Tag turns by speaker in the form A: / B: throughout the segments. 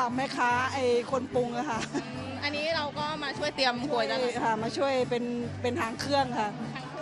A: แม่ค้าคนปรุงอะค่ะ
B: อันนี้เราก็มาช่วยเตรียมหวยแล้ว
A: ค่ะมาช่วยเป็นหางเครื่องค่ะ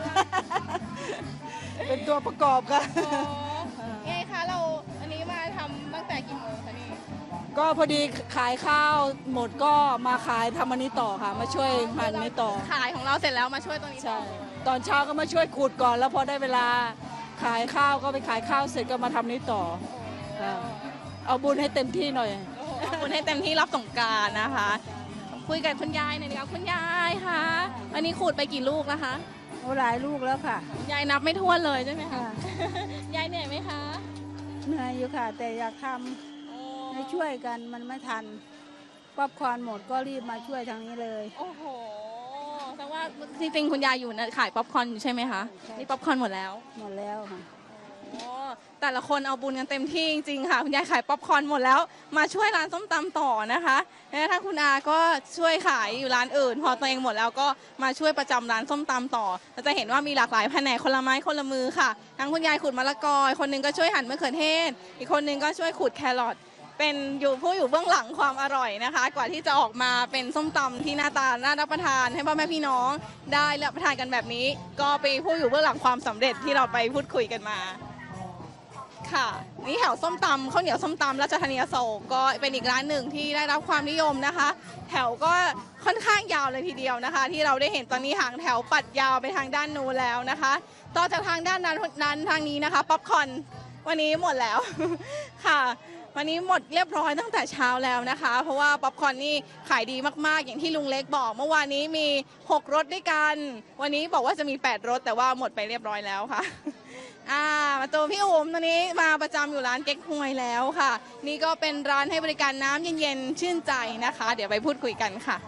A: เป็นตัวประกอบค่ะ
B: ไงคะเราอันนี้มาทำตั้งแต่กี่โมงคะนี่
A: ก็พอดีขายข้าวหมดก็มาขายทำอันนี้ต่อค่ะ มาช่วยหั่นนี้ต่อ
B: ขายของเราเสร็จแล้วมาช่วยตรงนี้
A: ใช่ตอนเช้าก็มาช่วยขูดก่อน แล้วพอได้เวลาขายข้าวก็ไปขายข้าวเสร็จก็มาทำนี้ต่อเอาบุญให้เต็มที่หน่อย
B: เอาบุญให้เต็มที่รับสงกรานต์นะคะคุยกับคุณยายหน่อยดีกว่าคุณยายคะอันนี้ขูดไปกี่ลูกแล้วคะ
A: หลายลูกแล้วค่ะ
B: ยายนับไม่ถ้วนเลยใช่ไหมคะยายเหนื่อยไหมคะ
A: เหนื่อยอยู่ค่ะแต่อยากทำให้ช่วยกันมันไม่ทันป๊อปคอร์นหมดก็รีบมาช่วยทางนี้เลย
B: โอ้โหแปลว่าจริงๆคุณยายอยู่นะขายป๊อปคอร์นอยู่ใช่ไหมคะนี่ป๊อปคอร์นหมดแล้ว
A: ค่ะ
B: แต่ละคนเอาบุญกันเต็มที่จริงๆค่ะคุณยายขายป๊อปคอร์นหมดแล้วมาช่วยร้านส้มตำต่อนะคะแล้วถ้าคุณอาก็ช่วยขายอยู่ร้านอื่นพอตัวเองหมดแล้วก็มาช่วยประจำร้านส้มตำต่อเราจะเห็นว่ามีหลากหลายแผนกคนละไม้คนละมือค่ะทั้งคุณยายขูดมะละกอคนนึงก็ช่วยหั่นมะเขือเทศอีกคนนึงก็ช่วยขูดแครอทเป็นผู้อยู่เบื้องหลังความอร่อยนะคะกว่าที่จะออกมาเป็นส้มตำที่หน้าตาน่ารับประทานให้พ่อแม่พี่น้องได้รับประทานกันแบบนี้ก็เป็นผู้อยู่เบื้องหลังความสำเร็จที่เราไปพูดคุยกันมาค่ะนี่แถวส้มตำข้าวเหนียวส้มตำราชธานีอโศกก็เป็นอีกร้านหนึ่งที่ได้รับความนิยมนะคะแถวก็ค่อนข้างยาวเลยทีเดียวนะคะที่เราได้เห็นตอนนี้หางแถวปัดยาวไปทางด้านนู้นแล้วนะคะต่อจากทางด้านนั้นทางนี้นะคะป๊อปคอร์นวันนี้หมดแล้วค่ะวันนี้หมดเรียบร้อยตั้งแต่เช้าแล้วนะคะเพราะว่าป๊อปคอร์นนี่ขายดีมากๆอย่างที่ลุงเล็กบอกเมื่อวานนี้มี6รสด้วยกันวันนี้บอกว่าจะมี8รสแต่ว่าหมดไปเรียบร้อยแล้วค่ะมาเจอพี่อุ๋มตอนนี้มาประจำอยู่ร้านเก๊กฮวยแล้วค่ะนี่ก็เป็นร้านให้บริการน้ำเย็นๆชื่นใจนะคะเดี๋ยวไปพูดคุยกันค่ะ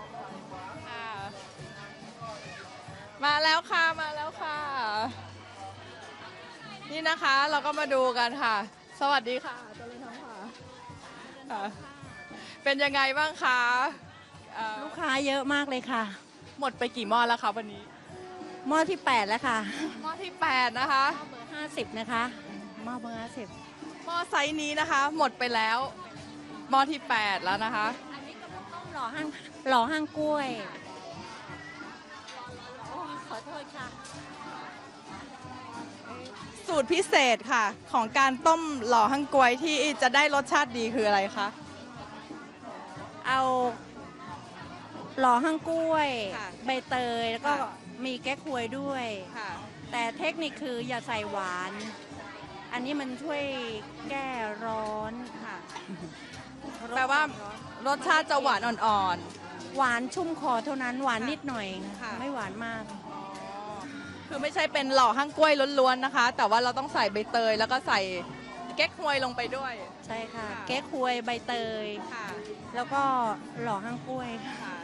B: มาแล้วค่ะมาแล้วค่ะนี่นะคะเราก็มาดูกันค่ะสวัสดีค่ะเจริญธรรมค่ะเป็นยังไงบ้างคะ
C: ลูกค้าเยอะมากเลยค่ะ
B: หมดไปกี่หม้อแล้วคะวันนี้
C: หม้อที่8แล้วค่ะ
B: หม้อที่8นะคะ
C: หม้อเบอร์50นะคะหม้อเบอร์
B: 50หม้อไซส์นี้นะคะหมดไปแล้วหม้อที่8แล้วนะคะ
C: อันนี้ก็ต้มหล่อห้างกล้วยขอโทษค่ะ
B: สูตรพิเศษค่ะของการต้มหล่อหั่งกล้วยที่จะได้รสชาติดีคืออะไรคะ
C: เอาหล่อห้างกล้วยใบเตยแล้วก็มีแก้ควยด้วยแต่เทคนิคคืออย่าใส่หวานอันนี้มันช่วยแก้ร้อนค่ะ
B: แปลว่ารสชาติจะหวานอ่อน
C: ๆหวานชุ่มคอเท่านั้นหวานนิดหน่อยไม่หวานมาก
B: คือไม่ใช่เป็นหล่อหั่งกล้วยล้วนๆนะคะแต่ว่าเราต้องใส่ใบเตยแล้วก็ใส่เก๊กฮวยลงไปด้วย
C: ใช่ค่ะแก้ควยใบเตยแล้วก็หล่อห้างกล้วย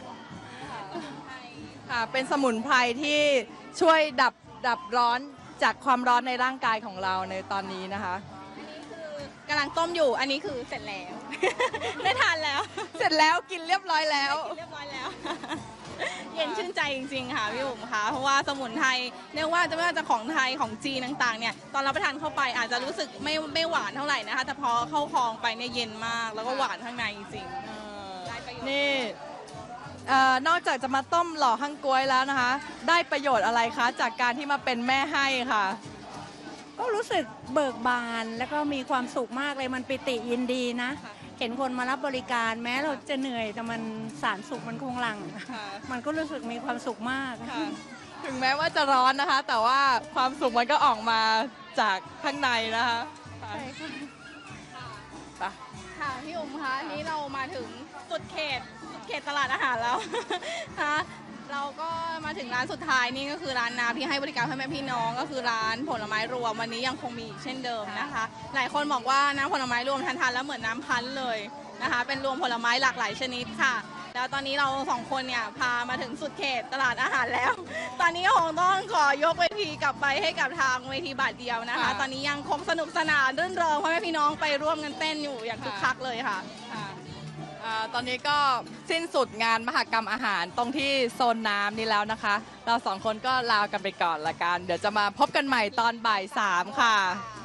B: ค่ะเป็นสมุนไพรที่ช่วยดับร้อนจากความร้อนในร่างกายของเราในตอนนี้นะคะอันนี้คือกำลังต้มอยู่อันนี้คือเสร็จแล้ว ได้ทานแล้วเสร็จแล้วกินเรียบร้อยแล้วเรียบร้อยแล้วเย็นชื่นใจจริงๆค่ะพี่อุ๋มค่ะเพราะว่าสมุนไพรเรียกว่าไม่ว่าจะของไทยของจีนต่างๆเนี่ยตอนรับประทานเข้าไปอาจจะรู้สึกไม่หวานเท่าไหร่นะคะแต่พอเข้าคองไปเนี่ยเย็นมากแล้วก็หวานข้างในจริงๆนี่นอกจากจะมาต้มหล่อหั่งก๊วยแล้วนะคะได้ประโยชน์อะไรคะจากการที่มาเป็นแม่ให้ค่ะ
C: ก็รู้สึกเบิกบานแล้วก็มีความสุขมากเลยมันปิติยินดีนะเห็นคนมารับบริการแม้เราจะเหนื่อยแต่มันสารสุขมันคงหลั่งมันก็รู้สึกมีความสุขมาก
B: ถึงแม้ว่าจะร้อนนะคะแต่ว่าความสุขมันก็ออกมาจากข้างในนะคะใช่ค่ะค่ะพี่อุ๋มคะนี้เรามาถึงสุดเขตตลาดอาหารแล้วนะคะเราก็มาถึงร้านสุดท้ายนี่ก็คือร้านน้ำที่ให้บริการพ่อแม่พี่น้องก็คือร้านผลไม้รวมวันนี้ยังคงมีเช่นเดิมนะคะหลายคนบอกว่าน้ำผลไม้รวมทานแล้วเหมือนน้ำพันธุ์เลยนะคะเป็นรวมผลไม้หลากหลายชนิดค่ะแล้วตอนนี้เรา2คนเนี่ยพามาถึงสุดเขตตลาดอาหารแล้วตอนนี้คงต้องขอยกเวทีกลับไปให้กับทางเวทีบาทเดียวนะคะตอนนี้ยังคงสนุกสนานรื่นเริงพ่อแม่พี่น้องไปร่วมกันเต้นอยู่อย่างคึกคักเลยค่ะตอนนี้ก็สิ้นสุดงานมหกรรมอาหารตรงที่โซนน้ำนี้แล้วนะคะเรา2คนก็ลากันไปก่อนละกันเดี๋ยวจะมาพบกันใหม่ตอนบ่าย 3ค่ะ